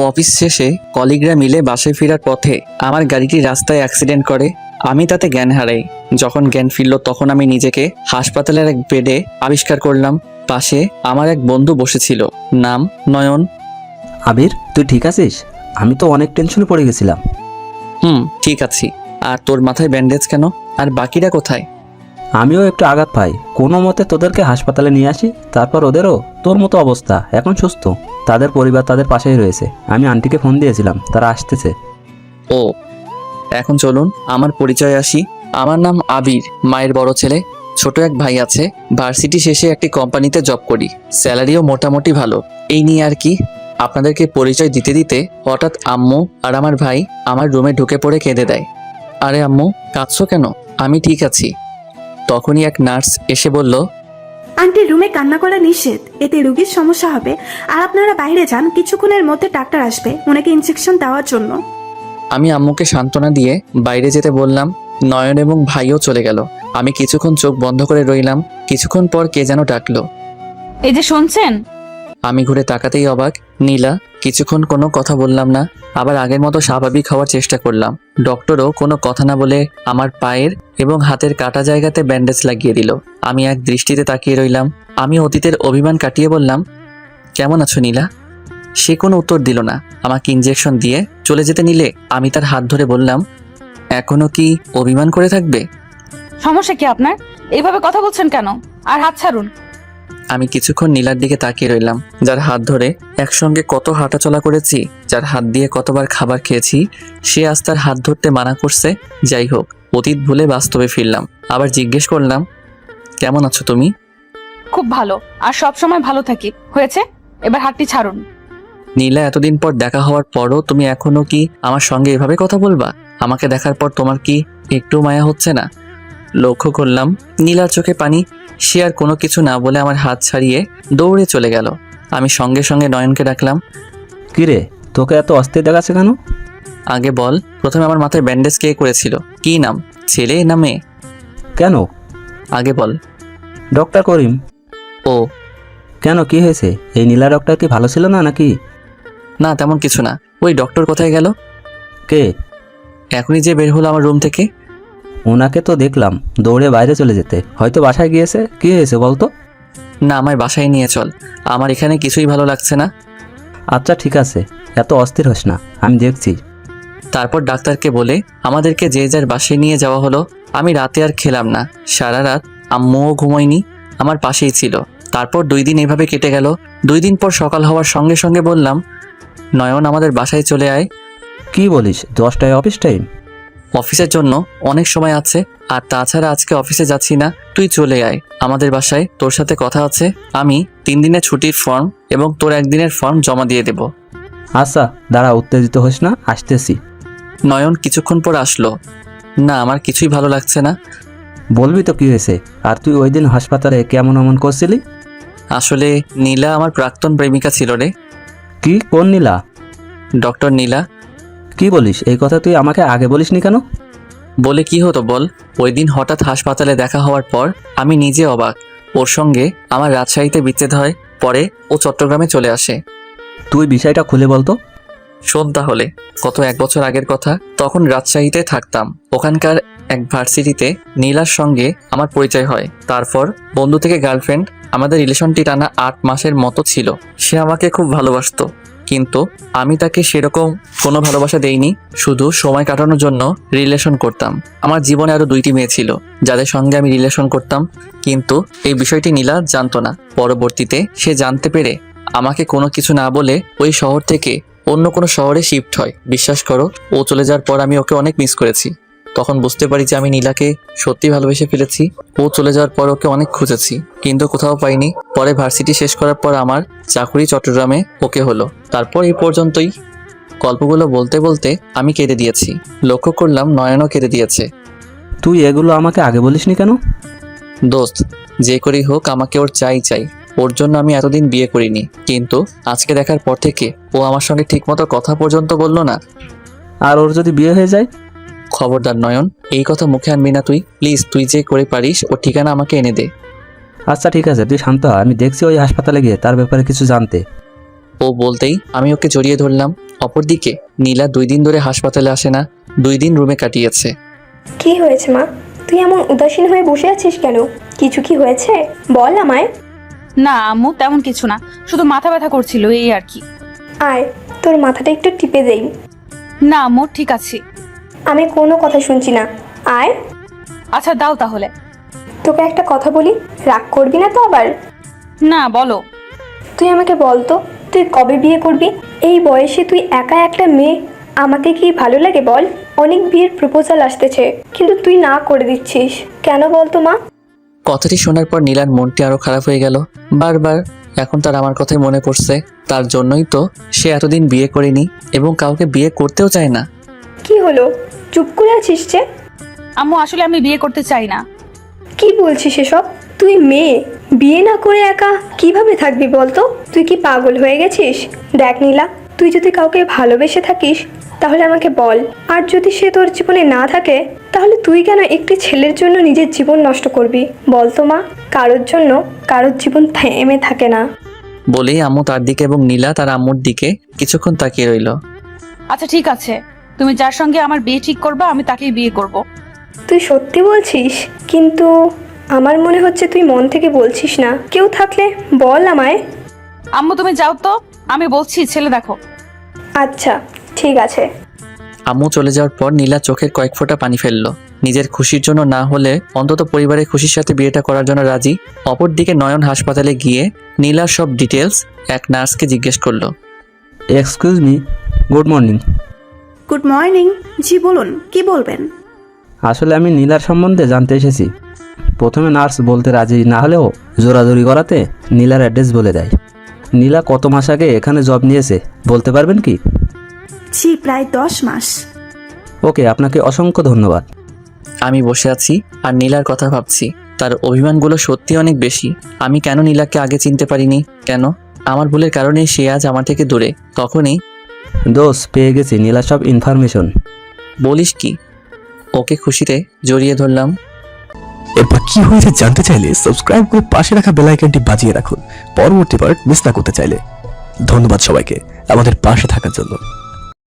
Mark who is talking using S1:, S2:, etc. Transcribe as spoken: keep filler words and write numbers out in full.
S1: Office শেষে কলিগরা মিলে বাসায় ফেরার পথে আমার গাড়িটি রাস্তায় অ্যাক্সিডেন্ট করে। আমি তাতে জ্ঞান হারাই। যখন জ্ঞান ফিরল তখন আমি নিজেকে হাসপাতালের এক বেডে আবিষ্কার করলাম। পাশে আমার এক বন্ধু বসেছিল, নাম নয়ন।
S2: আবির, তুই ঠিক আছিস? আমি তো অনেক টেনশনে পড়ে গেছিলাম।
S1: হুম, ঠিক আছি। আর তোর মাথায় ব্যান্ডেজ কেন? আর বাকিরা কোথায়?
S2: আমিও একটু আঘাত পাই, কোনো মতে তোদেরকে হাসপাতালে নিয়ে আসি। তারপর ওদেরও তোর মতো অবস্থা, এখন সুস্থ। তাদের পরিবার তাদের পাশেই রয়েছে। আমি আন্টিকে ফোন দিয়েছিলাম, তারা আসতেছে।
S1: ও, এখন চলুন আমার পরিচয় আসি। আমার নাম আবির, মায়ের বড় ছেলে। ছোট এক ভাই আছে, ভার্সিটি শেষে একটি কোম্পানিতে জব করি, স্যালারিও মোটামুটি ভালো। এই নিয়ে আর কি। আপনাদেরকে পরিচয় দিতে দিতে হঠাৎ আম্মু আর আমার ভাই আমার রুমে ঢুকে পড়ে কেঁদে দেয়। আরে আম্মু, কাঁদছো কেন? আমি ঠিক আছি। তখনই এক নার্স এসে বলল,
S3: আন্টি, রুমে কান্না করা নিষেধ, এতে রোগীর সমস্যা হবে। আর আপনারা বাইরে যান, কিছুক্ষণের মধ্যে ডাক্তার আসবে ওনাকে ইনজেকশন দেওয়ার জন্য।
S1: আমি আম্মুকে সান্ত্বনা দিয়ে বাইরে যেতে বললাম। নয়ন এবং ভাইও চলে গেল। আমি কিছুক্ষণ চোখ বন্ধ করে রইলাম। কিছুক্ষণ পর কে যেন ডাকলো।
S4: এই যে শুনছেন?
S1: আমি ঘুরে তাকাতেই অবাক, নীলা। কিছুক্ষণ কোনো কথা বললাম না, আবার আগের মতো স্বাভাবিক হওয়ার চেষ্টা করলাম। ডক্টরও কোনো কথা না বলে আমার পায়ের এবং হাতের কাটা জায়গাতে ব্যান্ডেজ লাগিয়ে দিল। আমি এক দৃষ্টিতে তাকিয়ে রইলাম। আমি অতীতের অভিমান কাটিয়ে বললাম, কেমন আছো নীলা? সে কোনো উত্তর দিল না। আমাকে ইনজেকশন দিয়ে চলে যেতে নিলে আমি তার হাত ধরে বললাম, এখনো কি অভিমান করে থাকবে?
S4: সমস্যা কি আপনার? এইভাবে কথা বলছেন কেন? আর হাত ছাড়ুন।
S1: আমি কিছুক্ষণ নীলার দিকে তাকিয়ে রইলাম, যার হাত ধরে একসঙ্গে কত হাঁটাচলা করেছি, যার হাত দিয়ে কতবার খাবার খেয়েছি। সে আজ তার হাত ধরতে মানা করছে। যাই হোক, অতীত ভুলে বাস্তবে ফিরলাম। আবার জিজ্ঞেস করলাম, কেমন আছো তুমি?
S4: খুব ভালো, আর সব সময় ভালো থাকি। হয়েছে, এবার হাতটি ছাড়ুন।
S1: নীলা, এতদিন পর দেখা হওয়ার পরও তুমি এখনো কি আমার সঙ্গে এভাবে কথা বলবা? আমাকে দেখার পর তোমার কি একটু মায়া হচ্ছে না? লক্ষ্য করলাম নীলার চোখে পানি। সে আর কোনো কিছু না বলে আমার হাত ছাড়িয়ে দৌড়ে চলে গেল। আমি সঙ্গে সঙ্গে নয়নকে ডাকলাম।
S2: কিরে, তোকে এত অস্থির দেখাচ্ছে কেন?
S1: আগে বল, প্রথমে আমার মাথায় ব্যান্ডেজ কে করেছিল? কি নাম, ছেলে না মেয়ে?
S2: কেন?
S1: আগে বল।
S2: ডক্টর করিম।
S1: ও,
S2: কেন, কি হয়েছে? এই নীলা ডক্টর কি ভালো ছিল না নাকি?
S1: না, তেমন কিছু না। ওই ডক্টর কোথায় গেল?
S2: কে?
S1: এখনই যে বের হলো আমার রুম থেকে।
S2: ওনাকে তো দেখলাম দৌড়ে বাইরে চলে যেতে, হয়তো বাসায় গিয়েছে। কি হয়েছে বলতো?
S1: না, আমায় বাসায় নিয়ে চল, আমার এখানে কিছুই ভালো লাগছে না।
S2: আচ্ছা ঠিক আছে, এত অস্থির হোস না, আমি দেখছি।
S1: তারপর ডাক্তারকে বলে আমাদেরকে যে যার বাসায় নিয়ে যাওয়া হলো। আমি রাতে আর খেলাম না, সারা রাত আম্মুও ঘুমোয়নি, আমার পাশেই ছিল। তারপর দুই দিন এভাবে কেটে গেল। দুই দিন পর সকাল হওয়ার সঙ্গে সঙ্গে বললাম, নয়ন আমাদের বাসায় চলে আয়।
S2: কি বলিস? দশটায় অফিস টাইম?
S1: অফিসের জন্য অনেক সময় আছে, আর তাছাড়া আজকে অফিসে যাচ্ছি না, তুই চলে আয় আমাদের বাসায়, তোর সাথে কথা আছে। আমি তিন দিনের ছুটির ফর্ম এবং তোর একদিনের ফর্ম জমা দিয়ে দেব।
S2: আচ্ছা দাঁড়া, উত্তেজিত হোস না, আসতেছি।
S1: নয়ন কিছুক্ষণ পর আসলো। না, আমার কিছুই ভালো লাগছে না।
S2: বলবি তো কি হয়েছে? আর তুই ওই দিন হাসপাতালে কেমন অমন করছিলি?
S1: আসলে নীলা আমার প্রাক্তন প্রেমিকা ছিল রে।
S2: কি? কোন নীলা?
S1: ডক্টর নীলা।
S2: কি বলিস? এই কথা তুই আমাকে আগে বলিসনি কেন?
S1: বলে কি হতো বল? ওই দিন হঠাৎ হাসপাতালে দেখা হওয়ার পর আমি নিজে অবাক। ওর সঙ্গে আমার রাজশাহীতে বিচ্ছেদ হয়, পরে ও চট্টগ্রামে চলে আসে।
S2: তুই বিষয়টা খুলে বলতো।
S1: শোন তাহলে, কত এক বছর আগের কথা। তখন রাজশাহীতে থাকতাম। ওখানকার এক ভার্সিটিতে নীলার সঙ্গে আমার পরিচয় হয়। তারপর বন্ধু থেকে গার্লফ্রেন্ড, আমাদের রিলেশনটি টানা আট মাসের মতো ছিল। সে আমাকে খুব ভালোবাসতো, কিন্তু আমি তাকে সেরকম কোনো ভালোবাসা দেইনি। শুধু সময় কাটানোর জন্য রিলেশন করতাম। আমার জীবনে আরো দুইটি মেয়ে ছিল যাদের সঙ্গে আমি রিলেশন করতাম, কিন্তু এই বিষয়টি নীলা জানতো না। পরবর্তীতে সে জানতে পেরে আমাকে কোনো কিছু না বলে ওই শহর থেকে অন্য কোনো শহরে শিফট হয়। বিশ্বাস করো, ও চলে যাওয়ার পর আমি ওকে অনেক মিস করেছি। তখন বুঝতে পারি যে আমি নীলাকে সত্যি ভালোবেসে ফেলেছি। ও চলে যাওয়ার পর ওকে অনেক খুঁজেছি, কিন্তু কোথাও পাইনি। পরে ভার্সিটি শেষ করার পর আমার চাকরি চট্টগ্রামে ওকে হলো। তারপর এই পর্যন্তই। গল্পগুলো বলতে বলতে আমি কেঁদে দিয়েছি। লক্ষ্য করলাম নয়নও কেঁদে দিয়েছে।
S2: তুই এগুলো আমাকে আগে বলিসনি কেন?
S1: দোস্ত, যে করেই হোক আমাকে ওর চাই চাই। ওর জন্য আমি এতদিন বিয়ে করিনি, কিন্তু আজকে দেখার পর থেকে ও আমার সঙ্গে ঠিকমতো কথা পর্যন্ত বললো না।
S2: আর ওর যদি বিয়ে হয়ে যায়?
S1: খবরদার নয়ন, এই কথা মুখে আনবি না তুই, প্লিজ। তুই যে করে পারিস ওর ঠিকানা আমাকে এনে দে।
S2: আচ্ছা ঠিক আছে, তুই শান্ত হ, আমি দেখছি ওই হাসপাতালে গিয়ে তার ব্যাপারে কিছু জানতে।
S1: ও বলতেই আমি ওকে জড়িয়ে ধরলাম। অপরদিকে নীলা দুই দিন ধরে হাসপাতালে আসে না, দুই দিন রুমে কাটিয়েছে।
S5: কি হয়েছে মা? তুই এমন উদাসীন হয়ে বসে আছিস কেন? কিছু কি হয়েছে? বল আমায়।
S4: না আম্মু, তেমন কিছু না, শুধু মাথা ব্যথা করছিল এই আর কি।
S5: আয়, তোর মাথাটা একটু টিপে দেই।
S4: না আম্মু, ঠিক আছে।
S5: আমি কোনো কথা শুনছি না, আয়।
S4: আচ্ছা দাও তাহলে।
S5: তোকে একটা কথা বলি, রাগ করবি না তো আবার?
S4: না বলো।
S5: তুই আমাকে বল তো, তুই কবে বিয়ে করবি? এই বয়সে তুই একা একটা মেয়ে, আমাকে কি ভালো লাগে বল? অনেক বিয়ের প্রপোজাল আসতেছে, কিন্তু তুই না করে দিচ্ছিস কেন বলতো মা?
S1: কথাটি শোনার পর নীলার মনটি আরো খারাপ হয়ে গেল। বারবার এখন তার আমার কথাই মনে পড়ছে। তার জন্যই তো সে এতদিন বিয়ে করেনি এবং কাউকে বিয়ে করতেও চায় না।
S5: কি হলো, চুপ করে আছিস যে?
S4: আম্মু আসলে আমি বিয়ে করতে চাই না।
S5: কি বলছিস এসব? তুই মেয়ে, বিয়ে না করে একা কিভাবে থাকবি বলতো? তুই কি পাগল হয়ে গেছিস? দেখ নীলা, তুই যদি কাউকে ভালোবেসে থাকিস তাহলে আমাকে বল, আর যদি সে তোর জীবনে না থাকে তাহলে তুই কেন একটি ছেলের জন্য নিজের জীবন নষ্ট করবি বলতো মা? কারোর জন্য কারোর জীবন থেমে থাকে না।
S1: বলেই আম্মু তার দিকে এবং নীলা তার আম্মুর দিকে কিছুক্ষণ তাকিয়ে রইল।
S4: আচ্ছা ঠিক আছে, তুমি যার সঙ্গে আমার বিয়ে ঠিক করবে আমি তাকেই বিয়ে করব।
S5: তুই সত্যি বলছিস? কিন্তু আমার মনে হচ্ছে তুই মন থেকে বলছিস না। কেউ থাকলে বল আমায়।
S4: আম্মু তুমি যাও তো, আমি বলছি ছেলে দেখো।
S5: আচ্ছা ঠিক আছে।
S1: আম্মু চলে যাওয়ার পর নীলা চোখের কয়েক ফোঁটা পানি ফেললো। নিজের খুশির জন্য না হলে অন্তত পরিবারের খুশির সাথে বিয়েটা করার জন্য রাজি। অপরদিকে নয়ন হাসপাতালে গিয়ে নীলার সব ডিটেলস এক নার্সকে জিজ্ঞেস করলো।
S2: Excuse me, good morning.
S3: Good morning. জি বলুন, কি বলবেন?
S2: আসলে আমি নীলার সম্বন্ধে জানতে এসেছি। প্রথমে নার্স বলতে রাজি না হলেও জোরাজোরি করাতে নীলার অ্যাড্রেস বলে দেয়। নীলা কত মাস আগে এখানে জব নিয়েছে বলতে পারবেন কি?
S3: জি প্রায় দশ মাস।
S2: ওকে, আপনাকে অসংখ্য ধন্যবাদ।
S1: আমি বসে আছি আর নীলার কথা ভাবছি। তার অভিমানগুলো সত্যি অনেক বেশি। আমি কেন নীলাকে আগে চিনতে পারিনি? কেন? আমার ভুলের কারণেই সে আজ আমার থেকে দূরে। তখনই
S2: দোষ পেয়ে গেছি নীলা সব ইনফরমেশন।
S1: বলিস কি? ওকে খুশিতে জড়িয়ে ধরলাম।
S6: এরপর কি হয়েছে জানতে চাইলে সাবস্ক্রাইব করে পাশে রাখা বেল আইকনটি বাজিয়ে রাখুন পরবর্তী পার্ট মিস না করতে চাইলে। ধন্যবাদ সবাইকে আমাদের পাশে থাকার জন্য।